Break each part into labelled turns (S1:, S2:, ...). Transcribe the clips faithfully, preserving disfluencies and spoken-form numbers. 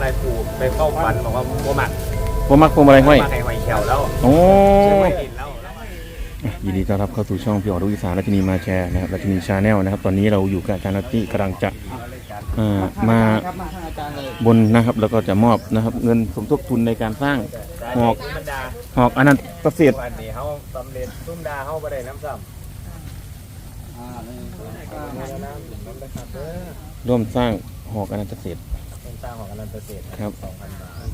S1: ลัยปูไปเข้าฝันบอกว่าโมหมัก
S2: โมมักพวงมาลัยห้อย
S1: มาไข่หอยแขวแล้ว
S2: โอ้
S1: แล้ว
S2: ยินดีต้อนรับเข้าสู่ช่องพี่อ๋อลูกอีสานราชินีมาแชร์นะครับราชินีชาแนลนะครับตอนนี้เราอยู่กับอาจารย์นัตตี้กำลังจะมาบนนะครับแล้วก็จะมอบนะครับเงินสมทบทุนในการสร้างหอกหอกอนันตเศรษฐ์
S1: วันนี้เขาสำเร็จตุ้มดาเขาไปได้น้ำซ้ำ
S2: ร่วมสร้างหอกอนันตเศรษฐ์
S1: ร่วมสร้างหอกอนันตเศรษฐ์
S2: ครับ
S1: สองพันบาท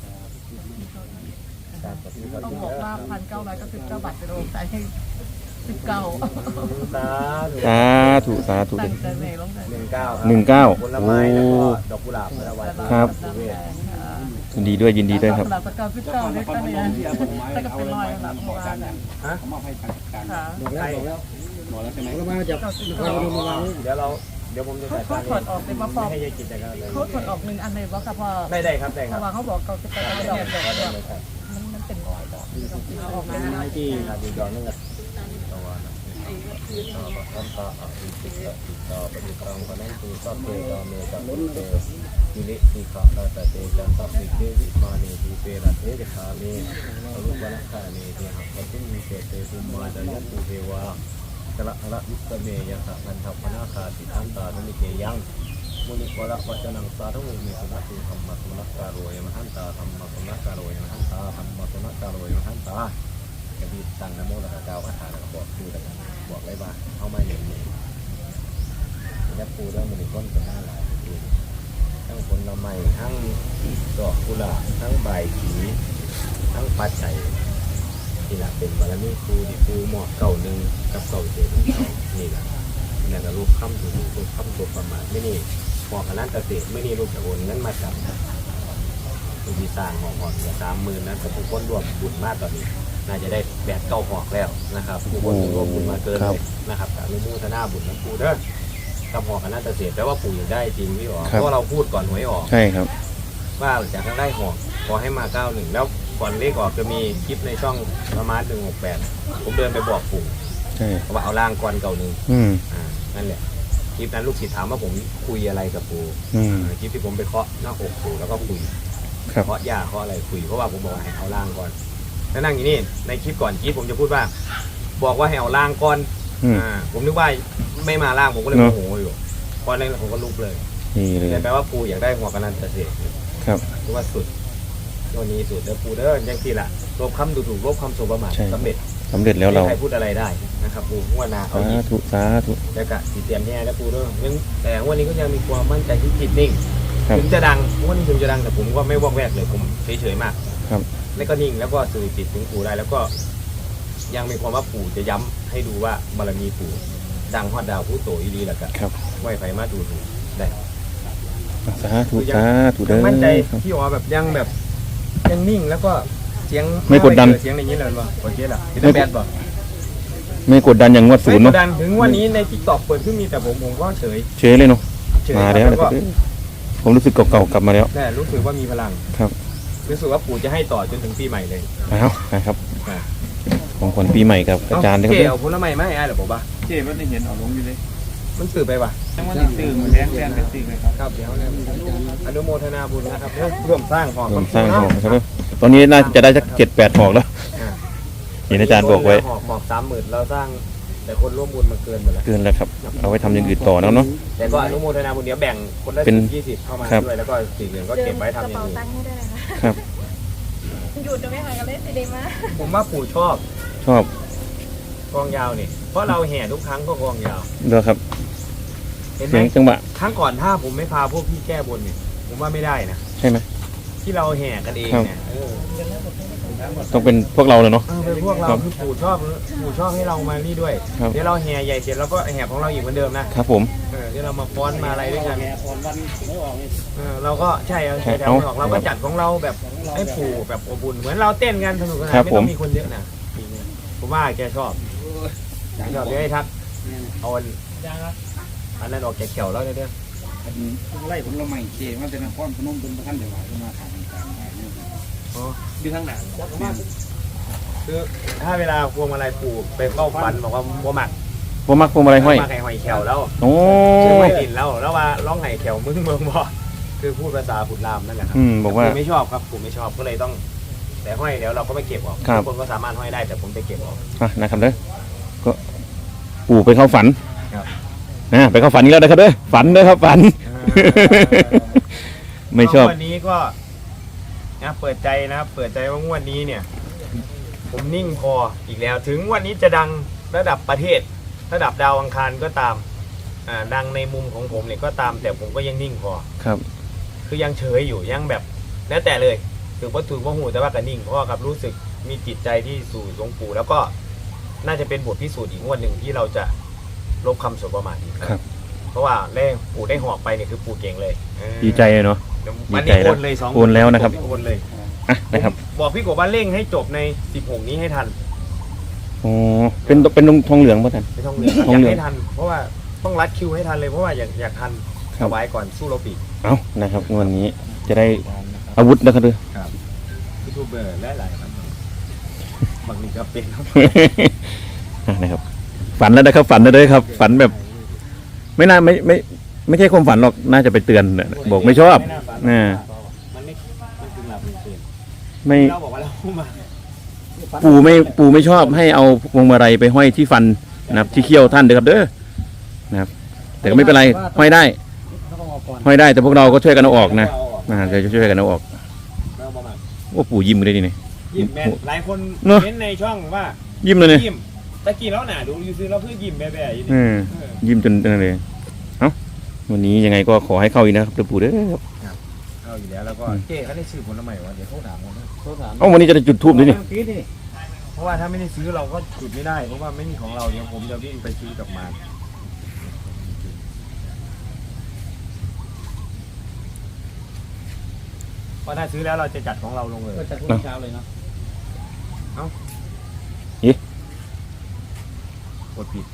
S3: ต้องบอกว่าพันเก้าร้อยเก้าสิบเก้าบาทจะลงใจให้สิบเก้า
S1: สาธุ
S2: สาธุสาธุ
S3: ตั้งใจไหนลงใจ
S1: หนึ่งเก้า
S2: หนึ่งเก้า
S1: ผลไม้แล้วก็ดอกกุหลาบแล้ววัน
S2: ครับยินดีด้วยยินดีด้วยครับ
S3: กุหลาบสกาวสิบเก้าเนี่ยก็เนี่ยแต่ก็เป็นรอยหลังโบราณนะ
S1: ฮะ
S4: มอบให้ทางการ
S3: ค่ะ
S4: บอกแล้วบอกแล้วบอกแล้วใช่ไหมก็มาจาก
S1: เดี๋ยวเราเดี๋ยวผมจะ
S3: เขา
S1: จ่าย
S3: เขาถอดออกเป็นว่าฟอร์ม
S1: ให้ยายกิจการเลย
S3: เขาถอดออกหนึ่งอันเลยว่าค่ะพอ
S1: ได้ได้ครับได้ค
S3: เพ
S1: รับ
S3: ราะว่าเขาบอกเขาจะไปกระดอกดอกดอกมันมันเป็นรอยดอกเอาออกมา
S1: ที่ขาดีดอนนั่นแหละตะวันต่อบัตรต่ออิติตะติต่อปฏิกรรมคนนั้นคือสัพเพกาเมจัมเตมิลิสิกาตาตเตจันตัพพิเทวิมานีภูเปรัตเทจคามีอรุปนัคคามีเทหัปตุมิเตเตภูมาจายันตุเทวากะละละยุตเมยะสะพันธัพพนาคาติทันตาธนิเกยังมุนิโกระวัจนังสาธุเมสุนัติธรรมะสุนักการโรยมหันตาธรรมะสุนักการโรยมหันตาธรรมะสุนักการโรยมหันตากระดิ่งตั้งนโมแล้วก็กล่าวคาถาแล้วก็บอกคือแล้วกันบอกเลยว่าเข้ามาอย่างนี้ยัดปูเรื่องมันก้นกันหน้าหลายคือทั้งผลไม้ทั้งดอกกุหลาบทั้งใบขีทั้งปัจจัยที่หลักเป็นบารมีครูที่ครูหมอเก่าหนึ่งกับเก่าเจ็ดนี่แหละนี่แหละรูปคำถูกรูปคำตัวประมาทไม่นี่หมอขนาดเกษตรไม่นี่รูปจะโอนเงินมาจับรูปที่สร้างหมอหอดเหลือสามหมื่นนั้นแต่ทุกคนรวมบุญมากตอนนี้น่าจะได้แบดเก้าหอกแล้วนะครับผู้คนรวมบุญมาเกินเลยนะครับการร่วมมือทนาบุญนะปู่เด้อกับหอกคณะเกษตรแปลว่าปู่อยากได้จริงพี่อ๋อเพราะเราพูดก่อนหวยออก
S2: ใช่ครับ
S1: ว่าจากทางได้หอกขอให้มาเก้าหนึ่งแล้วก่อนเลขออกจะมีคลิปในช่องประมาณหนึ่งหกแปดผมเดินไปบอกปู่
S2: ใช่
S1: ว่าเอาล่างก่อนเก่าหนึ่ง
S2: อืม
S1: อ่านั่นแหละคลิปนั้นลูกศิษย์ถามว่าผมคุยอะไรกับปู่
S2: อืม
S1: คลิปที่ผมไปเคาะหน้าอกปู่แล้วก็คุยเคาะยาเคาะอะไรคุยเพราะว่าผมบอกให้เอาล่างก่อนแล้วนั่งอย่างนี้ในคลิปก่อนคลิปผมจะพูดว่าบอกว่าให้เอาล่างก่อนอ่าผมนึกว่าไม่มาล่างผมก็เลยโมโหอยู่พอนั้นผมก็ลุกเลย
S2: นี่เลย
S1: แปลว่าปูอยากได้หัวกระนันเกษตร
S2: ครับ
S1: คือว่าสุดตัวนี้สุดแล้วปูเด้อยังที่ละลบคำดูถูกลบคำโสประมาทสำเร็จ
S2: สำเร็จแล้วเรา
S1: ใครพูดอะไรได้นะครับปูหัวนาเขา
S2: สาธุสาธุ
S1: แล้วก็สีเตียนแน่แล้วปูเด้อยังแต่วันนี้ก็ยังมีความมั่นใจที่จิตนิ่งถึงจะดังวันนี้ถึงจะดังแต่ผมก็ไม่วอกแวกเลยผมเฉยๆมาก
S2: ครับ
S1: แล้วก็นิ่งแล้วก็สื่อจิตถึงปู่ได้แล้วก็ยังมีความว่าปู่จะย้ำให้ดูว่าบารมีปู่ดังฮอดดาวผู้โตอีดีแหละกันไหวไฟมาดูถูกได้
S2: สาธุสาธุเด้อ
S1: มั่นใจพี่อ๋อแบบยังแบบยังนิ่งแล้วก็เสียง
S2: ไม่กดดัน
S1: เสียงในนี้เลยป่ะโอเคล่ะไม่แบดป่ะ
S2: ไม่กดดันอย่างงวดศูนย์เนาะ
S1: ไม่กดดันถึงวันนี้ในทิกตอกเปิดขึ้นมีแต่ผมผมก็เฉย
S2: เฉยเลยเนาะมาแล้วผมรู้สึกเก่าๆกลับมาแล้ว
S1: แน่รู้สึกว่ามีพลัง
S2: ครับ
S1: รู้สึกว่าปู่จะให้ต่อจนถึงปีใหม่เลย
S2: เอานะครับของขวัญปีใหม่กับอาจารย์
S1: เกี่ยวผลไม้ไม่ให้หรอผมป่ะ
S4: เจ๊มันได้เห็นเอาลงอยู่เลย
S1: มันสื่อไปป่ะ
S4: จังหวะตื่นแรงแรงเป็นตื่นเลยครับ
S1: ครับเดี๋ยวอนุโมทนาบุญนะครับร่วมสร้างหอก
S2: ร่วมสร้างหอกใช่ไหมตอนนี้น่าจะได้สักเจ็ดแปดหอกแล้วเห็นอาจารย์บอกไว้
S1: หอกหอกสามหมื่นเราสร้างแต่คนร่วมบุญมาเกินหมดแล้ว
S2: เกินแล้วครับเอาไว้ทำอย่างอื่นต่อแล้วเนาะ
S1: แต่ก็อนุโมทนาบุญเดี๋ยวแบ่งคนละยี่สิบเข้ามาด้วยแล้วก็สี่เหรียญก็เก็บไว้ทำอย่างอื่น
S2: ครับ
S3: หยุดจะไม่หายกันเลยสิเดมา
S1: ผมว่าปู่ชอบ
S2: ชอบ
S1: กองยาวนี่เพราะเราแห่ทุกครั้งก็กองยาว
S2: เด้อครับ
S1: เห็นไหม
S2: จังหวะ
S1: ครั้งก่อนถ้าผมไม่พาพวกพี่แก้บนเนี่ยผมว่าไม่ได้นะ
S2: ใช่ไหม
S1: ที่เราแห่กันเองเนี่ย
S2: ต้องเป็นพวกเราเลยเนาะ
S1: เป็นพวกเราคือปู่ชอบปู่ชอบให้เรามานี่ด้วยเดี๋ยวเราแห่ใหญ่เสร็จแล้วก็แห่ของเราอีกเหมือนเดิมนะครับ
S2: ผม
S1: เดี๋ยวเรามาฟ้อนมาอะไรด้วยกันเราก็ใช่ใช่แต่ไม่ออกเราก็จัดของเราแบบให้ปู่แบบอบอุ่นเหมือนเราเต้นกันสนุกสนานไม่ต้องมีคนเยอะนะผมว่าแกชอบชอบเดี๋ยวให้ทักเอาอันนั้นออกแกเขียวแล้วเนี่ย
S4: ไล่ผลไม้เจ๊มันเป็นก้อนขนมเป็นประคันเดี๋ยวมามาทานการ
S1: อ๋อ
S4: ดูข้างหลัง
S1: คือถ้าเวลาพวงมาลัยปู่ไปเข้าฝันบอกว่าโมหมัก
S2: โมมักพวงมาลัยห้อย
S1: มาไข่หอยแขวแล้ว
S2: โอ้
S1: ชื่อไม่ดินแล้วแล้วว่าร้องไห้แขวมึงเมืองบ่คือพูดภาษาขุนรามนั่นแหละครั
S2: อืมบอกว่า
S1: ผมไม่ชอบครับผมไม่ชอบก็เลยต้อง แต่ห้อยเดี๋ยวเราก็ไม่เก็บออก
S2: ครับ
S1: ทุกคนก็สามารถห้อยได้แต่ผมจะเก็บออก
S2: อ่ะนะครับเด้อก็ปู่ไปเข้าฝัน
S1: ครับ
S2: นะไปเข้าฝันอีกแล้วนะครับเด้อฝันเด้อครับฝัน ไม่ชอบ
S1: วันนี้ก็นะเปิดใจนะครับเปิดใจว่างวดนี้เนี่ย ผมนิ่งพออีกแล้ว ถึงวันนี้จะดังระดับประเทศ ระดับดาวอังคารก็ตามอ่าดังในมุมของผมเนี่ยก็ตาม แต่ผมก็ยังนิ่งพอ
S2: ครับ
S1: คือยังเฉยอยู่ยังแบบแล้วแต่เลยถือว่าถูกว่าหูแต่ว่าก็นิ่งเพราะว่าครับรู้สึกมีจิตใจที่สู่หลวงปู่แล้วก็น่าจะเป็นบทพิสูจน์อีกงวดหนึ่งที่เราจะลบคำสบประมาทอีก
S2: ครับ
S1: เพราะว่าแรกปู่ได้หอกไปเนี่ยคือปู่เก่งเลยเออ
S2: ดีใจเลยเนาะ
S1: วัน
S2: ดี
S1: นี้
S2: ใจแล้ว
S1: โอนเลยสอง
S2: โอนแล้วนะครับ
S1: โอนเลย
S2: อ่ะนะครับ
S1: ผมบอกพี่กบว่าเร่งให้จบในสิบหกนี้ให้ทัน
S2: โอ้เป็นเป็นทองเหลืองป่ะท่าน
S1: ไม่ต้องเหลือง
S2: ทอง
S1: อยา
S2: เหลื
S1: ก
S2: อง
S1: ให้ทัน เพราะว่าต้องรัดคิวให้ทันเลยเพราะว่าอยากอยากทัน
S2: ครั
S1: ถ
S2: บ
S1: วายก่อนสู้รบอีก
S2: เอานะครับวันนี้จะได้อาวุธนะครับเด้อ
S1: ครับยูทูบเบอร์หลายๆครับบางทีก็เป็นครับ
S2: อ่ะนะครับ ฝันแล้วนะครับ ฝันแล้วเด้อครับ ฝันแบบ ไม่น่าไม่ไม่ไม่ใช่ความฝันหรอกน่าจะไปเตือนน่ะบอกไม่ชอบ
S1: น่าฝัน
S2: น่ะ
S1: มันไม่มันคือหลับเป็นตื่น
S2: ไม่
S1: เราบอกว่าเรามา
S2: ปู่ไม่ปู่ไม่ชอบให้เอาพวงมาลัยไปห้อยที่ฟันนะครับ ที่เขี้ยวท่านเด้อครับเด้อนะครับ แต่ก็ไม่เป็นไรห้อยได้
S4: ต้องเอาก่อน
S2: ห้อยได้แต่พวกเราก็ช่วยกันเอาออกนะ
S1: เราออก
S2: อ่าเดี๋ยวจะช่วยกันเอาออก
S1: เราประมาณ
S2: โอ้ปู่ยิ้มเลยดินี่
S1: ยิ้มแม่นหลายคน
S2: เนอะ
S1: เน้นในช่องว่า
S2: ยิ้มเลยเนี่ย
S1: ยิ้มตะกี้แล้วหนาดูยูซื้อเราเพื่อยิ้มแบ่ๆอยู่
S2: เอ
S1: นี่
S2: อยิ้มจนนั่นเลยเอ้าวันนี้ยังไงก็ขอให้เข้าอีกนะครับเดี๋ยวปู่เด้อครับ
S1: เอาอยู่แล้วแล้วก็เจ๊เขาได้ซื้อผลไม้วะเดี๋ยวเขาถามกันนะ
S4: โทรถาม
S2: เอ้าวันนี้จะได้จุดทูบด้วยนี่
S4: เมื่อกี้นี่
S1: เพราะว่าถ้าไม่ได้ซื้อเราก็จุดไม่ได้เพราะว่าไม่มีของเราเดี๋ยวผมจะวิ่งไปซื้อกลับมาเพราะถ้าซื้อแล้วเราจะจัดของเราลงเลย
S4: ก็จะทุ่มเช้าเลยเนาะ
S1: กดผิด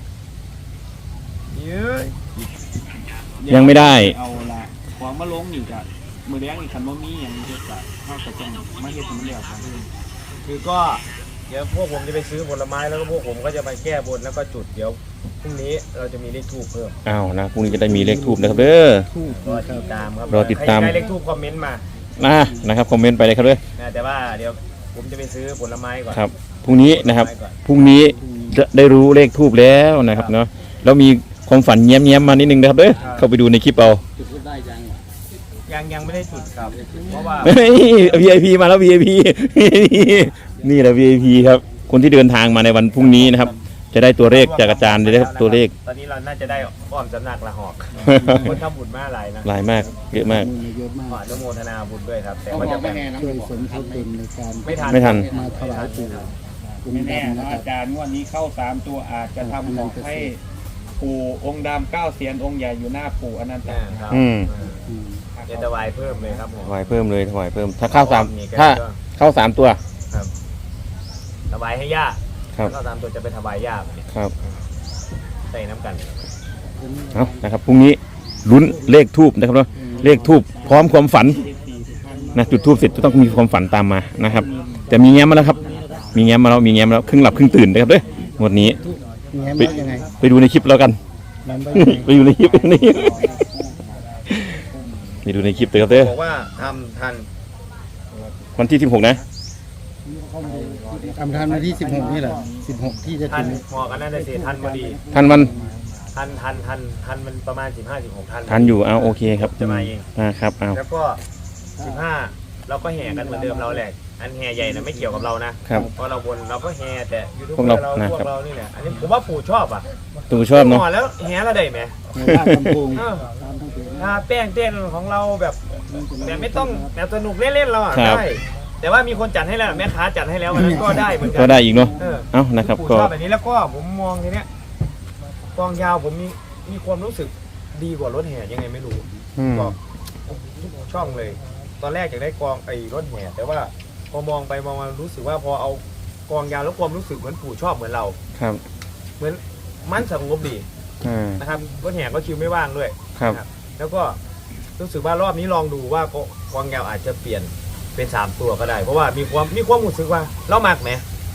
S1: เย้ย
S2: ยังไม่ได้
S4: เอาละของมาลงนี่จ้ะมือแรงอีกคันบ่มีอย่างเฮ็ดจ้ะเฮาก็ต้องมาเฮ็ดให้มันแล้วครับ
S1: คือก็เดี๋ยวพวกผมจะไปซื้อผลไม้แล้วก็พวกผมก็จะไปแก้บนแล้วก็จุดเดี๋ยวพรุ่งนี้เราจะมีเลขทูบเพิ่ม
S2: อ้าวนะพรุ่งนี้จะได้มีเลขทูบนะครับเด้อ
S1: รอติดตามครับ
S2: รอติดตาม
S1: ใครได้เลขทูบคอมเมนต์มา
S2: นะนะครับคอมเมนต์ไปเลยครับเด้อ
S1: นะแต่ว่าเดี๋ยวผมจะไปซื้อผลไม้ก่อน
S2: ครับพรุ่งนี้นะครับ
S1: ผลไม้ก่อน
S2: พรุ่งนี้จะได้รู้เลขทูบแล้วนะครับเนาะแล้วมีความฝันแย้มๆมานิดนึงนะครับเด้อเข้าไปดูในคลิปเอา
S4: จุดได้จัง
S1: ยังยังไม่ได้จุดครับเพราะว่า
S2: เฮ้ย วี ไอ พี มาแล้ว วี ไอ พี นี่แหละ วี ไอ พี ครับ คนที่เดินทางมาในวันพรุ่งนี้นะครับ จะได้ตัวเลขจากอาจารย์เลยนะครับตัวเลข
S1: ตอนนี้เราน่าจะได้อ้อมสำนักละหอกคนทำบุญมาหลายนะ
S2: หลายมากเยอะมาก
S5: เยอะมาก
S1: ขออนุโมทนาบุญด้วยครับ แต่
S4: เขา
S1: ว่า
S4: บอ
S1: จะ
S4: กไม่
S1: แบ่ง
S4: แน่นะ
S5: ช่วยสมทบทุนในการ
S1: ไม่ทัน
S2: ไม่ทัน
S5: มาถวายปู่อง
S4: ไม่
S5: ค์
S4: แน่
S5: ดำนะ
S4: นะ
S5: ครั
S4: อา
S5: บ
S4: จารย์งวันนี้เข้าสามตัวอาจจะทำของให้ปู่องค์ดำเก้าเสียนองค์ใหญ่อยู่หน้าปู่อนันต
S1: อ่าครับ
S2: อืม
S5: อืม
S1: เดี๋ยวจะวายเพิ่มเลยครับผม
S2: ถวายเพิ่มเลยถวายเพิ่ม ถ้าเข้าสาม
S1: มีแค่
S2: ถ้า
S1: ก็
S2: เข้าสามตัว
S1: ถวายให้ย่า
S2: ครับ
S1: ก็ตามตัวจะไปถวายย่า
S2: ครับ
S1: ใส่น้ำกัน
S2: เอานะครับพรุ่งนี้ลุ้นเลขทูบนะครับเนาะเลขทูบพร้อมความฝันนะจุดทูบเสร็จจะต้องมีความฝันตามมานะครับแต่มีแง้มมาแล้วครับ มีแง้มมาแล้วมีแง้มมาแล้วครึ่งหลับครึ่งตื่นนะครับเด้อวันนี้
S5: แง้มว่ายังไง
S2: ไปดูในคลิปแล้วกัน
S5: แง้มว่ายังไง
S2: ไปดูในคลิปนี่ไปดูในคลิปเลยครับเด้อ
S1: บอกว่าทำทัน
S2: วันที่สิบหกนะ
S5: ทำทันวันที่สิบหกนี่แหละสิบหกที่จะ
S1: ทั
S5: ถึ
S1: น
S5: ง
S1: หมอกันน่าจะเสียทันพอดี
S2: ทันวัน
S1: ทันทันทันทันมันประมาณสิบห้าสิบหกทัน
S2: ทันอยู่เอาโอเคครับ
S1: จะมาเอง
S2: อ่าครับเอา
S1: แล้วก็สิบห้าเราก็แห่กันเหมือนเดิมเราแหละอันแห่ใหญ่นะไม่เกี่ยวกับเรานะครับ เพราะเราบนเราก็แห่แต่ยูทูบ
S2: พวก
S1: เบอ
S2: เรา
S1: ร์เรา
S2: นะ
S1: พว
S2: ครับ
S1: กเรานี่แหละอันนี้ผมว่าปู่ชอบอ่ะ
S2: ตูชอบเนาะ
S1: หมอแล้วแห่เราได้ไหม
S5: ในบ้านลำพูง
S1: เออ
S5: ตามทั้งเพจ
S1: ทาแป้งเต้นของเราแบบแบบไม่ต้องแบบสนุกเล่นๆเราอ่ะ
S2: ครับ
S1: ได้แต่ว่ามีคนจัดให้แล้วแม่ค้าจัดให้แล้ววันนั้นก็ได้เหมือนกั
S2: ก็ได้อีกเนาะ
S1: เออ
S2: เอานะครับ
S1: ปู่
S2: ก็
S1: ชอบแบบนี้แล้วก็ผมมองทีเนี้ยกองยาวผมมีมีความรู้สึกดีกว่ารถแห่ยังไงไม่รู้
S2: อืม
S1: บอกทุกช่องเลย ตอนแรกอยากได้กองไอ้รถแห่แต่ว่าพอมองไปมองมารู้สึกว่าพอเอากองยาวแล้วความรู้สึกเหมือนปู่ชอบเหมือนเรา
S2: ครับ
S1: เหมือนมันสงบดี
S2: อ่า
S1: นะครับรถแห่ก็คิวไม่ว่างด้วย
S2: ครับ
S1: นะแล้วก็รู้สึกว่ารอบนี้ลองดูว่ากองยาวอาจจะเปลี่ยนเป็นสามตัวก็ได้ เพราะว่ามีความมีความรู้สึกว่าเรามักไหม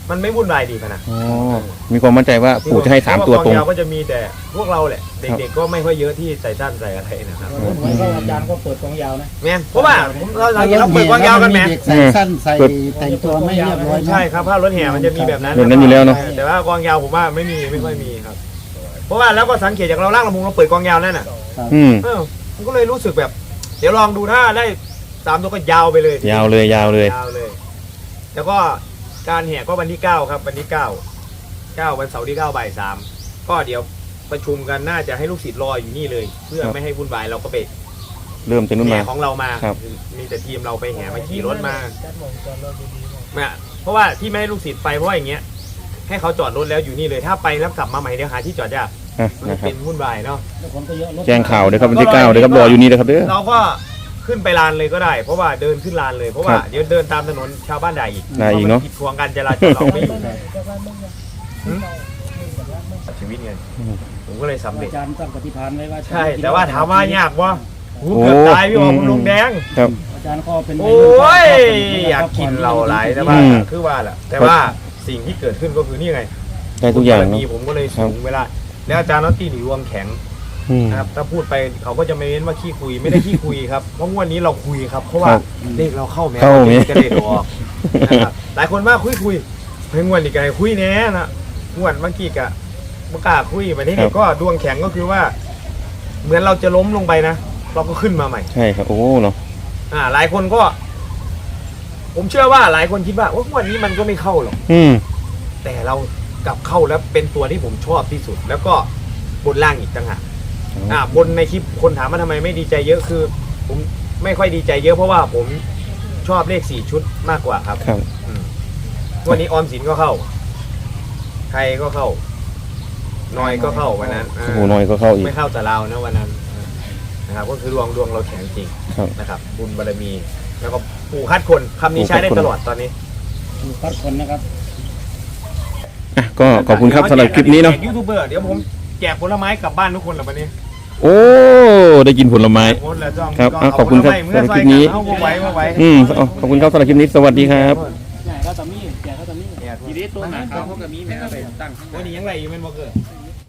S1: มันไม่วุ่นวายดีขนาด
S2: อ๋อมีความมั่นใจว่าปู่จะให้สามตัวตรง
S1: เพาะากองยาวก็จะมีแต่พวกเราแหละเด็กๆก็ไม่ค่อยเยอะที่ใส่สั้นใส่อะไรนะครับ
S5: อาจารย์ก็เปิดกองยาวนะ
S1: แม่นเพราะว่าผมเราเราเราเปิดกองยาวกันแม่
S5: เด็กใส่สั้นใส่แต่งตัวไม่เรียบร้อย
S1: ใช่ครับถ้ารถแห่มันจะมีแบบนั้น
S2: แบบนั้นอยู่แล้วเนาะ
S1: แต่ว่ากองยาวผมว่าไม่มีไม่ค่อยมีครับ เพราะว่าแล้วก็สังเกตจากเราล่างลำพุงเราเปิดกองยาวนั่นน่ะ
S2: อืม
S1: เออมันก็เลยรู้สึกแบบ เดี๋ยวลองดูถ้าได้สามตัวก็ยาวไปเลย
S2: ยาวเลยยาวเลย
S1: ยาวเลย แล้วก็การแห่ก็วันที่เก้าครับวันที่เก้าเก้าวันเสาร์ที่เก้าบ่ายสามก็เดี๋ยวประชุมกันน่าจะให้ลูกศิษย์รออยู่นี่เลย เพื่อไม่ให้วุ่นวายเราก็ไป
S2: เริ่มจากนู้น
S1: แห่
S2: มา
S1: ของเรามา
S2: ครับ
S1: มีแต่ทีมเราไปแห่มาขี่รถมาเนี่ยเพราะว่าที่ไม่ให้ลูกศิษย์ไปเพราะว่าอย่างเงี้ยให้เขาจอดรถแล้วอยู่นี่เลยถ้าไปแล้วกลับมาใหม่เดี๋ยวหาที่จอดยาก
S2: อ่ะ
S1: มัน
S2: นะครั
S1: เป็
S2: บ
S1: นวุ่นวายเนาะ
S2: แจ้งข่าวเลยครับวันที่เก้าเลยครับรออยู่นี่นะครับเด้อ
S1: เราก็ขึ้นไปลานเลยก็ได้ เพราะว่าเดินขึ้นลานเลยเพราะว่า
S2: ครับ
S1: เดี๋ยวเดินตามถนนชาวบ้านด่าอีก
S2: ด่าอีกเนอะ
S1: พรมัผิดขวางการจราจรเราไม่อยู่หืมชีวิตไงผมก็เลยสำเร็จ
S5: อาจารย์ตั้งปฏิภาณไว้ว่า
S1: ใช่ แต่ว่าถามว่ายากวะหูเกือบตายพี่บอกผมลงแดง
S2: ครับ
S5: อาจารย์ก็เป็น
S1: โอ้ยอยากกินเราหลายแต่ว่า
S2: อืม
S1: คือว่าแหละแต่ว่าสิ่งที่เกิดขึ้นก็คือนี่ไง
S2: ได้ทุกอย่าง
S1: บร
S2: เนาะ
S1: มีผมก็เลยสูงเวลาแล้วอาจารย์น็อตตี้หนีรวมแข็ง
S2: อืม
S1: นะครับถ้าพูดไปเขาก็จะไม่เน้นว่าขี้คุยไม่ได้ขี้คุยครับเพราะงวดนี้เราคุยครับเพราะว่า
S2: ครับ
S1: เลขเราเข้าแม้
S2: เข้าแม้
S1: จะได้ดอกนะครับหลายคนว่าคุยคุยเฮ้ยงวดนี้ไงคุยแน่นะงวดเมื่อกี้กะเมื่อกล้าคุยไปที่นี่ก็ดวงแข็งก็คือว่า เหมือนเราจะล้มลงไปนะเราก็ขึ้นมาใหม่
S2: ใช่ครับโอ้เนาะ
S1: อ่า หลายคนก็ ผมเชื่อว่าหลายคนคิดว่าว่างวดนี้มันก็ไม่เข้าหรอก
S2: อืม
S1: แต่เรากลับเข้าแล้วเป็นตัวที่ผมชอบที่สุด แล้วก็บนล่างอีกต่างหากอ่าบนในคลิปคนถามว่าทำไมไม่ดีใจเยอะคือ ผมไม่ค่อยดีใจเยอะเพราะว่าผมชอบเลขสี่ชุดมากกว่าครับ
S2: ครับ
S1: อืมวันนี้ออมสินก็เข้าไทยก็เข้า นอยก็เข้าวันนั้น
S2: โอ้โหน้อยก็เข้าอีก
S1: ไม่เข้าแต่เรานะวันนั้นนะครับก็คือดวงดวงเราแข็งจริง
S2: ครับ
S1: นะครับ บุญบารมี แล้วก็ปู่คัดคนคำนี้ใช้ได้ตลอดตอนนี้
S5: ดูพัดคนนะครับ
S2: อ่ะก็ขอบคุณครับสำหรับคลิปนี้เนาะ
S1: แจกยูทูบเบอร์เดี๋ยวผมแจกผลไม้กลับบ้านทุกคนแหละวันนี้
S2: โอ้ได้กินผลไม้
S1: หมดแล้วจ้อง
S2: ครับอ่ะขอบคุณครับ
S1: เาผลไม้
S2: สำหรับคลิปนี้
S1: เอาไว้เอาไว้
S2: อืมเอาขอบคุณครับสำหรับคลิปนี้สวัสดีครับ
S5: ใหญ่ก็ตะมี่ใหญ่ก็ตะมี่
S1: เนี่ย
S4: ทีนี้ตัวหนาเขาเขาก็มีแม่ไปตั้งข้างห
S1: วัน
S4: น้า
S1: นี้ยังไรอยู่แม่นบ่เกิด
S5: อ